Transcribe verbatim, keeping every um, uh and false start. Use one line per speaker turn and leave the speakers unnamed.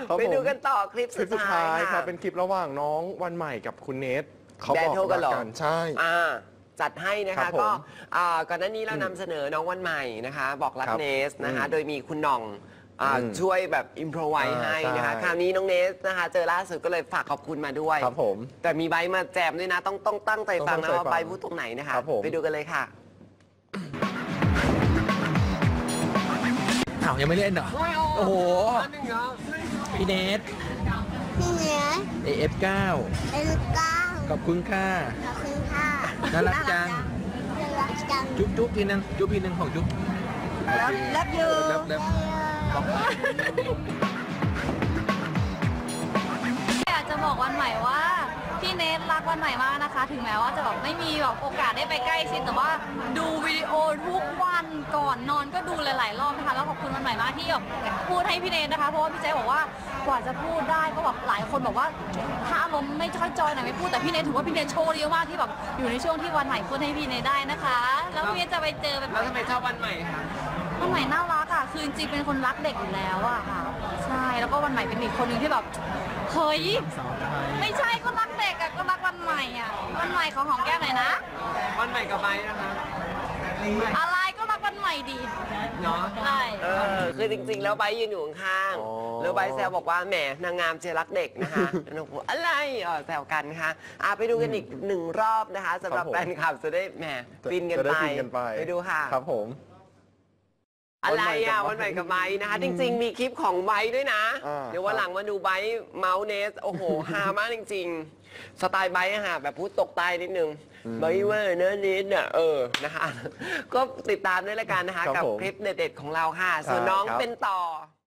ไปดูกันต่อคลิป
คลิ
สุ
ป
ด
สุด
ท้า
ท้าย ย
ค่ะ
ครับเป็นคลิประหว่างน้องวันใหม่กับคุณเนทเขา
แบ
บ
ท
อก
เทิลกันเหรอ
กันใช่
อ่าจัดให้นะ
ครั
คะ
บผม
ก็อ่าก่อนหน้านี้เรานำเสนอน้องวันใหม่นะคะ บอกรัก
ครับ
เนสนะคะ
อืม
โดยมีคุณหน่องอ่า
อืม
ช่วยแบบอิมพรไว
อ่า
ให้นะคะ
ใช่
คราวนี้น้องเนสนะคะ เจอล่าสุดก็เลยฝากขอบคุณมาด้วย
ครับผม
แต่มีไบร์ทมาแจมด้วยนะ ต้องต้องตั้งใจฟัง
ต้องตั้งใจ
นะว่า
ฟัง
ไบร์ทพูดตรงไหนนะคะ
ครับผม
ไปดูกันเลยค่ะ
อ้าวยังไม่เล่นเหรอ โอ้โห พี่เนท
พี่เนื้อ
เอ เอฟ เก้า
เอลูก้า
ขอบคุณค่ะ
ขอบคุณค่ะ
น่ารักจัง
น่ารักจัง
จุ๊บจุ๊บทีนึงจุ๊บทีนึงของจุ๊บ
รับรับอยู่
รับรับ
อยากจะบอกวันใหม่ว่าพี่เนทรักวันใหม่มากนะคะ ถึงแม้ว่าจะแบบไม่มีแบบโอกาสได้ไปใกล้ชิดแต่ว่าดูวิดีโอทุกวันก่อนนอนก็ดูหลายๆรอบนะคะแล้วขอบคุณวันใหม่มากที่แบบพูดให้พี่เนทนะคะเพราะว่าพี่เจ๊บอกว่ากว่าจะพูดได้ก็แบบหลายคนบอกว่าถ้าอารมณ์ไม่ค่อยจอยหน่อยไม่พูดแต่พี่เนทถือว่าพี่เนทโชว์เยอะมากที่แบบอยู่ในช่วงที่วันใหม่พูดให้พี่เนทได้นะคะ แล้วพี่เนทจะไปเจอแบบ
แล้วทำไมชอบวันใหม่คะ
วันใหม่น่ารักอ่ะ คือจริงๆ เป็นคนรักเด็กอยู่แล้วอ่ะค่ะ ใช่ แล้วก็วันใหม่เป็นอีกคนหนึ่งที่แบบ เฮ้ย ไม่ใช่ก็รักเด็กอ่ะ ก็รักวันใหม่อ่ะ วันใหม่ขอหอมแก้มหน่อยนะ
วันใหม่กับไบร์ทนะคะ
อะไรก็รักวันใหม่ดี
เนาะ
ใช่
เออคือจริงๆ แล้วไบร์ทยืนอยู่ข้าง
อ๋อ
ๆแล้วไบร์ทแซวบอกว่าแหมนางงามเชียร์รักเด็กนะคะแล้วน้องบอกอะไรเออแซวกันค่ะอ่ะไปดูกันอีกหนึ่งรอบนะคะสำหรับ
ครับผม
แฟนคลับจะได้แหมฟินกัน
จะได้
ไป
ฟินกันไป
ไปดูค่ะ
ครับผม
อะไรอ่ะ
วั
วัน
น
ให
ใหม่
ม่
กั
กั
บบ ไบ
ไบ
ร์ท
นะคะ จริง ๆ มีคลิปของไบร์ทด้วยนะ
อ่า
เดี๋ยววันหลังมาดูไบร์ทเมาส์เนสโอ้โห ฮามากจริง ๆ สไตล์ไบร์ทอะค่ะแบบพูดตกใต้นิดนึงไบร์ทเว่าเนอะนิดอ่ะเออนะคะ ก็ติดตามด้วยละกันนะคะ
ครับ
กับ
ผม
คลิปเด็ดๆของเราค่ะ ส่วน
ใช่
น้อง
ครับ
เป็นต่อ